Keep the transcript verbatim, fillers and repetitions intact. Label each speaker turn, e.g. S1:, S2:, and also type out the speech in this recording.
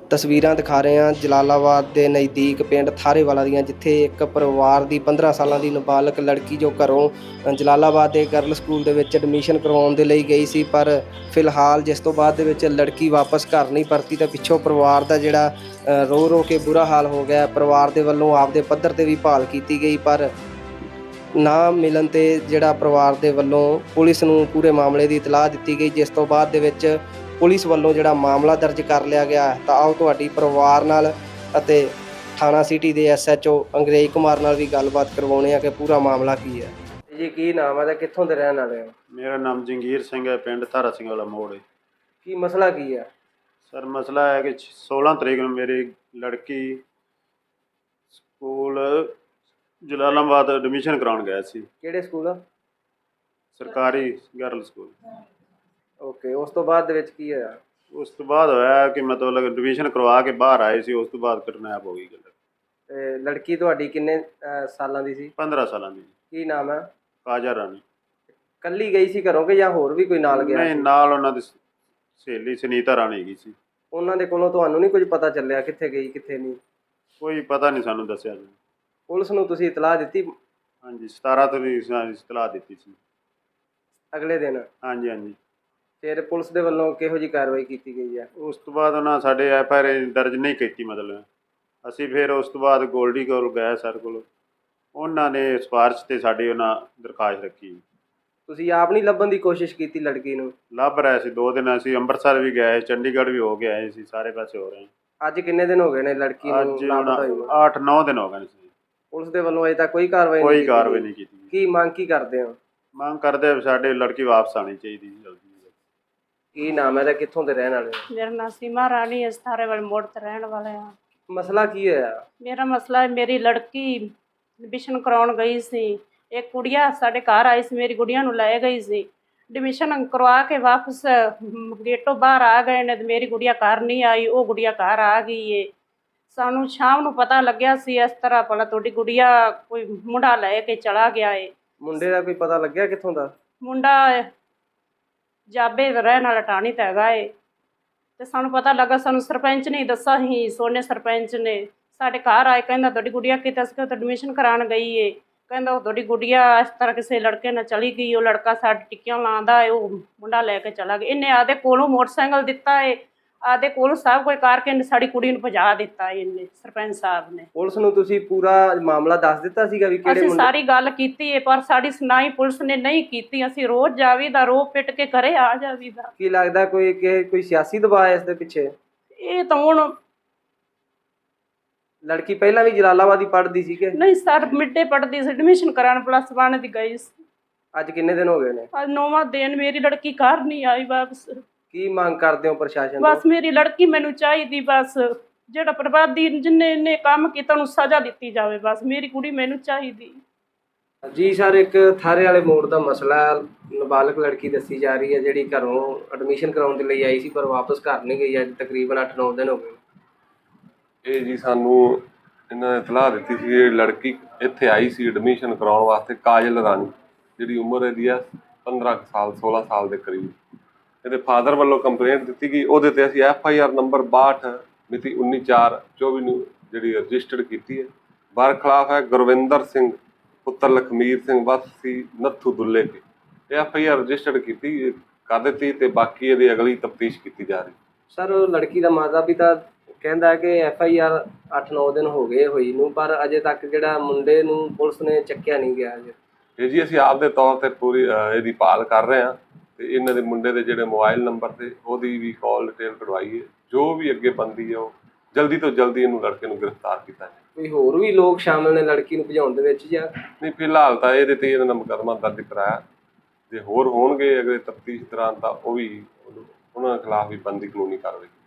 S1: ਤਸਵੀਰਾਂ ਦਿਖਾ ਰਹੇ ਹਾਂ ਜਲਾਲਾਬਾਦ ਦੇ ਨਜ਼ਦੀਕ ਪਿੰਡ ਥਾਰੇਵਾਲਾ ਦੀਆਂ, ਜਿੱਥੇ ਇੱਕ ਪਰਿਵਾਰ ਦੀ ਪੰਦਰਾਂ ਸਾਲਾਂ ਦੀ ਨਾਬਾਲਗ ਲੜਕੀ ਜੋ ਘਰੋਂ ਜਲਾਲਾਬਾਦ ਦੇ ਗਰਲ ਸਕੂਲ ਦੇ ਵਿੱਚ ਐਡਮਿਸ਼ਨ ਕਰਵਾਉਣ ਦੇ ਲਈ ਗਈ ਸੀ, ਪਰ ਫਿਲਹਾਲ ਜਿਸ ਤੋਂ ਬਾਅਦ ਦੇ ਵਿੱਚ ਲੜਕੀ ਵਾਪਸ ਘਰ ਨਹੀਂ ਪਰਤੀ ਤਾਂ ਪਿੱਛੋਂ ਪਰਿਵਾਰ ਦਾ ਜਿਹੜਾ ਰੋ ਰੋ ਕੇ ਬੁਰਾ ਹਾਲ ਹੋ ਗਿਆ। ਪਰਿਵਾਰ ਦੇ ਵੱਲੋਂ ਆਪਦੇ ਪੱਧਰ ਤੇ ਵੀ ਭਾਲ ਕੀਤੀ ਗਈ, ਪਰ ਨਾ ਮਿਲਣ ਤੇ ਜਿਹੜਾ ਪਰਿਵਾਰ ਦੇ ਵੱਲੋਂ ਪੁਲਿਸ ਨੂੰ ਪੂਰੇ ਮਾਮਲੇ ਦੀ ਇਤਲਾਹ ਦਿੱਤੀ ਗਈ, ਜਿਸ ਤੋਂ ਬਾਅਦ ਦੇ ਵਿੱਚ ਪੁਲਿਸ ਵੱਲੋਂ ਜਿਹੜਾ ਮਾਮਲਾ ਦਰਜ ਕਰ ਲਿਆ ਗਿਆ। ਤਾਂ ਆਓ ਤੁਹਾਡੀ ਪਰਿਵਾਰ ਨਾਲ ਅਤੇ ਥਾਣਾ ਸਿਟੀ ਦੇ ਐਸ ਐਚ ਓ ਅੰਗਰੇਜ਼ ਕੁਮਾਰ ਨਾਲ ਵੀ ਗੱਲਬਾਤ ਕਰਵਾਉਣੇ ਆ ਕਿ ਪੂਰਾ ਮਾਮਲਾ ਕੀ ਹੈ। ਜੀ ਕੀ ਨਾਮ ਹੈ ਤੇ ਕਿੱਥੋਂ ਦੇ ਰਹਿਣ ਵਾਲੇ ਹੋ?
S2: ਮੇਰਾ ਨਾਮ ਜੰਗੀਰ ਸਿੰਘ ਹੈ, ਪਿੰਡ ਧਾਰਾ ਸਿੰਘ ਵਾਲਾ ਮੋੜ ਹੈ।
S1: ਕੀ ਮਸਲਾ ਕੀ ਹੈ?
S2: ਸਰ ਮਸਲਾ ਹੈ ਕਿ ਸੋਲਾਂ ਤਰੀਕ ਨੂੰ ਮੇਰੀ ਲੜਕੀ ਸਕੂਲ ਜਲਾਲਾਬਾਦ ਐਡਮਿਸ਼ਨ ਕਰਾਉਣ ਗਿਆ ਸੀ।
S1: ਕਿਹੜੇ ਸਕੂਲ?
S2: ਸਰਕਾਰੀ ਗਰਲ ਸਕੂਲ।
S1: ਓਕੇ, ਉਸ ਤੋਂ ਬਾਅਦ ਦੇ ਵਿੱਚ ਕੀ ਹੋਇਆ?
S2: ਉਸ ਤੋਂ ਬਾਅਦ ਹੋਇਆ ਕਿ ਮਤਲਬ ਐਡਮਿਸ਼ਨ ਕਰਵਾ ਕੇ ਬਾਹਰ ਆਏ ਸੀ, ਉਸ ਤੋਂ ਬਾਅਦ ਕਿਡਨੈਪ ਹੋ ਗਈ ਗੱਲ।
S1: ਤੇ ਲੜਕੀ ਤੁਹਾਡੀ ਕਿੰਨੇ ਸਾਲਾਂ ਦੀ ਸੀ?
S2: ਪੰਦਰਾਂ ਸਾਲਾਂ ਦੀ।
S1: ਕੀ ਨਾਮ ਹੈ?
S2: ਕਾਜਾ ਰਾਣੀ।
S1: ਕੱਲੀ ਗਈ ਸੀ ਘਰੋਂ ਕਿ ਜਾਂ ਹੋਰ ਵੀ ਕੋਈ ਨਾਲ ਗਿਆ?
S2: ਨਹੀਂ, ਨਾਲ ਉਹਨਾਂ ਦੀ ਸਹੇਲੀ ਸੁਨੀਤਾ ਰਾਣੀ ਗਈ ਸੀ।
S1: ਉਹਨਾਂ ਦੇ ਕੋਲੋਂ ਤੁਹਾਨੂੰ ਨਹੀਂ ਕੁਝ ਪਤਾ ਚੱਲਿਆ ਕਿੱਥੇ ਗਈ ਕਿੱਥੇ ਨਹੀਂ?
S2: ਕੋਈ ਪਤਾ ਨਹੀਂ ਸਾਨੂੰ ਦੱਸਿਆ ਜੀ।
S1: ਪੁਲਿਸ ਨੂੰ ਤੁਸੀਂ ਇਤਲਾਹ ਦਿੱਤੀ?
S2: ਹਾਂਜੀ, ਸਤਾਰਾਂ ਤਰੀਕ ਨੂੰ ਇਤਲਾਹ ਦਿੱਤੀ ਸੀ
S1: ਅਗਲੇ ਦਿਨ?
S2: ਹਾਂਜੀ ਹਾਂਜੀ।
S1: ਫਿਰ ਪੁਲਿਸ ਦੇ ਵੱਲੋਂ ਕਿਹੋ ਜਿਹੀ ਕਾਰਵਾਈ ਕੀਤੀ ਗਈ ਹੈ?
S2: ਉਸ ਤੋਂ ਬਾਅਦ ਉਹਨਾਂ ਸਾਡੇ ਐਫ ਆਈ ਆਰ ਦਰਜ ਨਹੀਂ ਕੀਤੀ। ਮਤਲਬ ਅਸੀਂ ਫਿਰ ਉਸ ਤੋਂ ਬਾਅਦ ਗੋਲਡੀ ਕੋਲ ਗਏ ਸਰ ਕੋਲ, ਉਹਨਾਂ ਨੇ ਸਿਫਾਰਿਸ਼ 'ਤੇ ਸਾਡੀ ਉਹਨਾਂ ਦਰਖਾਸਤ ਰੱਖੀ।
S1: ਤੁਸੀਂ ਆਪ ਨਹੀਂ ਲੱਭਣ ਦੀ ਕੋਸ਼ਿਸ਼ ਕੀਤੀ ਲੜਕੀ ਨੂੰ?
S2: ਲੱਭ ਰਹੇ ਸੀ, ਦੋ ਦਿਨ ਅਸੀਂ ਅੰਮ੍ਰਿਤਸਰ ਵੀ ਗਏ, ਚੰਡੀਗੜ੍ਹ ਵੀ ਹੋ ਕੇ ਆਏ ਸੀ, ਸਾਰੇ ਪਾਸੇ ਹੋ ਰਹੇ।
S1: ਅੱਜ ਕਿੰਨੇ ਦਿਨ ਹੋ ਗਏ ਨੇ ਲੜਕੀ ਨੂੰ ਲਾਪਤਾ ਹੋਈ?
S2: ਅੱਠ ਨੌ ਦਿਨ ਹੋ ਗਏ ਨੇ।
S1: ਪੁਲਿਸ ਦੇ ਵੱਲੋਂ ਅਜੇ ਤੱਕ ਕੋਈ ਕਾਰਵਾਈ ਨਹੀਂ
S2: ਕੋਈ ਕਾਰਵਾਈ ਨਹੀਂ ਕੀਤੀ।
S1: ਕੀ ਮੰਗ ਕੀ ਕਰਦੇ ਹੋ?
S2: ਮੰਗ ਕਰਦੇ ਸਾਡੇ ਲੜਕੀ ਵਾਪਸ ਆਉਣੀ ਚਾਹੀਦੀ ਜਲਦੀ।
S1: ਕੀ ਨਾਮ ਹੈ ਤੇ ਕਿੱਥੋਂ ਦੇ ਰਹਿਣ ਵਾਲੇ ਹੋ?
S3: ਮੇਰਾ ਨਾਮ ਸੀਮਾ ਰਾਣੀ ਹੈ, ਥਾਰੇਵਾਲ ਮੋੜ ਤੇ ਰਹਿਣ ਵਾਲੇ ਹਾਂ।
S1: ਮਸਲਾ ਕੀ ਹੋਇਆ?
S3: ਮੇਰਾ ਮਸਲਾ ਹੈ, ਮੇਰੀ ਲੜਕੀ ਐਡਮਿਸ਼ਨ ਕਰਾਉਣ ਗਈ ਸੀ। ਇੱਕ ਕੁੜੀਆ ਸਾਡੇ ਘਰ ਆਈ ਸੀ, ਮੇਰੀ ਗੁੜੀਆ ਨੂੰ ਲੈ ਗਈ ਸੀ। ਐਡਮਿਸ਼ਨ ਕਰਵਾ ਕੇ ਵਾਪਸ ਗੇਟੋਂ ਬਾਹਰ ਆ ਗਏ ਨੇ ਤੇ ਮੇਰੀ ਗੁੜੀਆ ਘਰ ਨਹੀਂ ਆਈ, ਉਹ ਗੁੜੀਆ ਘਰ ਆ ਗਈ ਏ। ਸਾਨੂੰ ਸ਼ਾਮ ਨੂੰ ਪਤਾ ਲੱਗਿਆ ਸੀ ਇਸ ਤਰ੍ਹਾਂ ਭਲਾ ਤੁਹਾਡੀ ਗੁੜੀਆ ਕੋਈ ਮੁੰਡਾ ਲੈ ਕੇ ਚਲਾ ਗਿਆ ਏ।
S1: ਮੁੰਡੇ ਦਾ ਕੋਈ ਪਤਾ ਲੱਗਿਆ ਕਿੱਥੋਂ ਦਾ?
S3: ਮੁੰਡਾ ਜਾਬੇ ਦਾ ਰਹਿਣ ਵਾਲਾ ਟਾਣੀ ਤਾਂ ਹੈਗਾ ਏ। ਤੇ ਸਾਨੂੰ ਪਤਾ ਲੱਗਾ, ਸਾਨੂੰ ਸਰਪੰਚ ਨੇ ਦੱਸਿਆ ਸੀ, ਸੋਨੇ ਸਰਪੰਚ ਨੇ ਸਾਡੇ ਘਰ ਆਏ, ਕਹਿੰਦਾ ਤੁਹਾਡੀ ਗੁੜੀਆ ਕਿਤੇ ਅਸੀਂ ਐਡਮਿਸ਼ਨ ਕਰਾਉਣ ਗਈ ਏ। ਕਹਿੰਦਾ ਉਹ ਤੁਹਾਡੀ ਗੁੜੀਆ ਇਸ ਤਰ੍ਹਾਂ ਕਿਸੇ ਲੜਕੇ ਨਾਲ ਚਲੀ ਗਈ, ਉਹ ਲੜਕਾ ਸਾਡੇ ਟਿੱਕੀਆਂ ਲਾਉਂਦਾ ਏ, ਉਹ ਮੁੰਡਾ ਲੈ ਕੇ ਚਲਾ ਗਿਆ। ਇਹਨੇ ਆਦੇ ਕੋਲੋਂ ਮੋਟਰਸਾਈਕਲ ਦਿੱਤਾ ਏ, ਆਦੇ ਕੋਲ ਸਭ ਕੋਈ ਕਰਕੇ ਸਾਡੀ ਕੁੜੀ ਨੂੰ ਭਜਾ ਦਿੱਤਾ ਇਹਨੇ, ਸਰਪੰਚ ਸਾਹਿਬ ਨੇ।
S1: ਪੁਲਿਸ ਨੂੰ ਤੁਸੀਂ ਪੂਰਾ ਮਾਮਲਾ ਦੱਸ ਦਿੱਤਾ ਸੀਗਾ ਵੀ ਕਿਹੜੇ
S3: ਅਸੀਂ ਸਾਰੀ ਗੱਲ ਕੀਤੀ ਹੈ, ਪਰ ਸਾਡੀ ਸੁਣਾਈ ਪੁਲਿਸ ਨੇ ਨਹੀਂ ਕੀਤੀ। ਅਸੀਂ ਰੋਜ਼ ਜਾਵੀਦਾ, ਰੋ ਪਿੱਟ ਕੇ ਘਰੇ ਆ ਜਾਵੀਦਾ।
S1: ਕੀ ਲੱਗਦਾ ਕੋਈ ਕਿ ਕੋਈ ਸਿਆਸੀ ਦਬਾਅ ਹੈ ਇਸ ਦੇ ਪਿੱਛੇ?
S3: ਇਹ ਤਾਂ ਹੁਣ
S1: ਲੜਕੀ ਪਹਿਲਾਂ ਵੀ ਜਲਾਲਾਬਾਦ ਹੀ ਪੜ੍ਹਦੀ ਸੀ ਕਿ
S3: ਨਹੀਂ ਸਰ? ਮਿੱਡੇ ਪੜ੍ਹਦੀ ਸੀ, ਐਡਮਿਸ਼ਨ ਕਰਾਉਣ ਪਲੱਸ ਵਨ ਦੀ ਗਈ ਸੀ।
S1: ਅੱਜ ਕਿੰਨੇ ਦਿਨ ਹੋ ਗਏ ਨੇ?
S3: ਅੱਜ ਨੌਵਾਂ ਦਿਨ, ਮੇਰੀ ਲੜਕੀ ਘਰ ਨਹੀਂ ਆਈ ਵਾਪਸ।
S1: ਕੀ ਮੰਗ ਕਰਦੇ ਹੋ ਪ੍ਰਸ਼ਾਸਨ ਤੋਂ?
S3: ਬਸ ਮੇਰੀ ਲੜਕੀ ਮੈਨੂੰ ਚਾਹੀਦੀ, ਬਸ ਜਿਹੜਾ ਬਰਬਾਦੀ ਜਿੰਨੇ ਇਹਨੇ ਕੰਮ ਕੀਤਾ ਉਹਨੂੰ ਸਜ਼ਾ ਦਿੱਤੀ ਜਾਵੇ, ਬਸ ਮੇਰੀ ਕੁੜੀ ਮੈਨੂੰ ਚਾਹੀਦੀ।
S1: ਜੀ ਸਰ, ਇੱਕ ਥਾਰੇ ਵਾਲੇ ਮੋੜ ਦਾ ਮਸਲਾ, ਨਾਬਾਲਗ ਲੜਕੀ ਦੱਸੀ ਜਾ ਰਹੀ ਹੈ ਜਿਹੜੀ ਘਰੋਂ ਐਡਮਿਸ਼ਨ ਕਰਾਉਣ ਦੇ ਲਈ ਆਈ ਸੀ ਪਰ ਵਾਪਸ ਘਰ ਨਹੀਂ ਗਈ। ਅੱਜ ਤਕਰੀਬਨ ਅੱਠ ਨੌ ਦਿਨ ਹੋ ਗਏ। ਇਹ
S4: ਜੀ ਸਾਨੂੰ ਇਹਨਾਂ ਨੇ ਇਤਲਾਹ ਦਿੱਤੀ ਸੀ ਕਿ ਲੜਕੀ ਇੱਥੇ ਆਈ ਸੀ ਐਡਮਿਸ਼ਨ ਕਰਾਉਣ ਵਾਸਤੇ, ਕਾਜਲ ਰਾਣੀ, ਜਿਹੜੀ ਉਮਰ ਇਹਦੀ ਆ ਪੰਦਰਾਂ ਸਾਲ ਸੋਲਾਂ ਸਾਲ ਦੇ ਕਰੀਬ। ਇਹਦੇ ਫਾਦਰ ਵੱਲੋਂ ਕੰਪਲੇਂਟ ਦਿੱਤੀ ਗਈ, ਉਹਦੇ ਤੇ ਅਸੀਂ ਐਫ ਆਈ ਆਰ ਨੰਬਰ ਬਾਹਠ ਮਿਤੀ ਉੱਨੀ ਚਾਰ ਚੌਵੀ ਨੂੰ ਜਿਹੜੀ ਰਜਿਸਟਰਡ ਕੀਤੀ ਹੈ। ਬਰ ਖਿਲਾਫ ਹੈ ਗੁਰਵਿੰਦਰ ਸਿੰਘ ਪੁੱਤਰ ਲਖਮੀਰ ਸਿੰਘ ਵਾਸੀ ਨੱਥੂ ਦੁੱਲੇ ਕੇ। ਇਹ ਐਫ ਆਈ ਆਰ ਰਜਿਸਟਰਡ ਕੀਤੀ ਕਰ ਦਿੱਤੀ ਤੇ ਬਾਕੀ ਇਹਦੀ ਅਗਲੀ ਤਫਤੀਸ਼ ਕੀਤੀ ਜਾ ਰਹੀ।
S1: ਸਰ, ਲੜਕੀ ਦਾ ਮਾਤਾ ਪਿਤਾ ਕਹਿੰਦਾ ਕਿ ਐਫ ਆਈ ਆਰ ਅੱਠ ਨੌ ਦਿਨ ਹੋ ਗਏ ਹੋਈ ਨੂੰ, ਪਰ ਅਜੇ ਤੱਕ ਜਿਹੜਾ ਮੁੰਡੇ ਨੂੰ ਪੁਲਿਸ ਨੇ ਚੱਕਿਆ ਨਹੀਂ ਗਿਆ।
S4: ਇਹ ਜੀ ਅਸੀਂ ਆਪਦੇ ਤੌਰ ਤੇ ਪੂਰੀ ਇਹਦੀ ਭਾਲ ਕਰ ਰਹੇ ਹਾਂ ਤੇ ਇਹਨਾਂ ਦੇ ਮੁੰਡੇ ਦੇ ਜਿਹੜੇ ਮੋਬਾਈਲ ਨੰਬਰ ਤੇ ਉਹਦੀ ਵੀ ਕਾਲ ਡਿਟੇਲ ਕਢਵਾਈ ਹੈ। ਜੋ ਵੀ ਅੱਗੇ ਬਣਦੀ ਹੈ ਉਹ ਜਲਦੀ ਤੋਂ ਜਲਦੀ ਇਹਨੂੰ ਲੜਕੇ ਨੂੰ ਗ੍ਰਿਫਤਾਰ ਕੀਤਾ ਜਾਏ।
S1: ਕੋਈ ਹੋਰ ਵੀ ਲੋਕ ਸ਼ਾਮਲ ਨੇ ਲੜਕੀ ਨੂੰ ਭਜਾਉਣ ਦੇ ਵਿੱਚ ਜਾਂ
S4: ਨਹੀਂ? ਫਿਲਹਾਲ ਤਾਂ ਇਹਦੇ ਤੇ ਇਹਨਾਂ ਨੇ ਮੁਕੱਦਮਾ ਦਰਜ ਕਰਾਇਆ, ਜੇ ਹੋਰ ਹੋਣਗੇ ਅਗਲੇ ਤਫਤੀਸ਼ ਦੌਰਾਨ ਤਾਂ ਉਹ ਵੀ ਉਹਨਾਂ ਖਿਲਾਫ ਵੀ ਬਣਦੀ ਕਾਨੂੰਨੀ ਕਾਰਵਾਈ।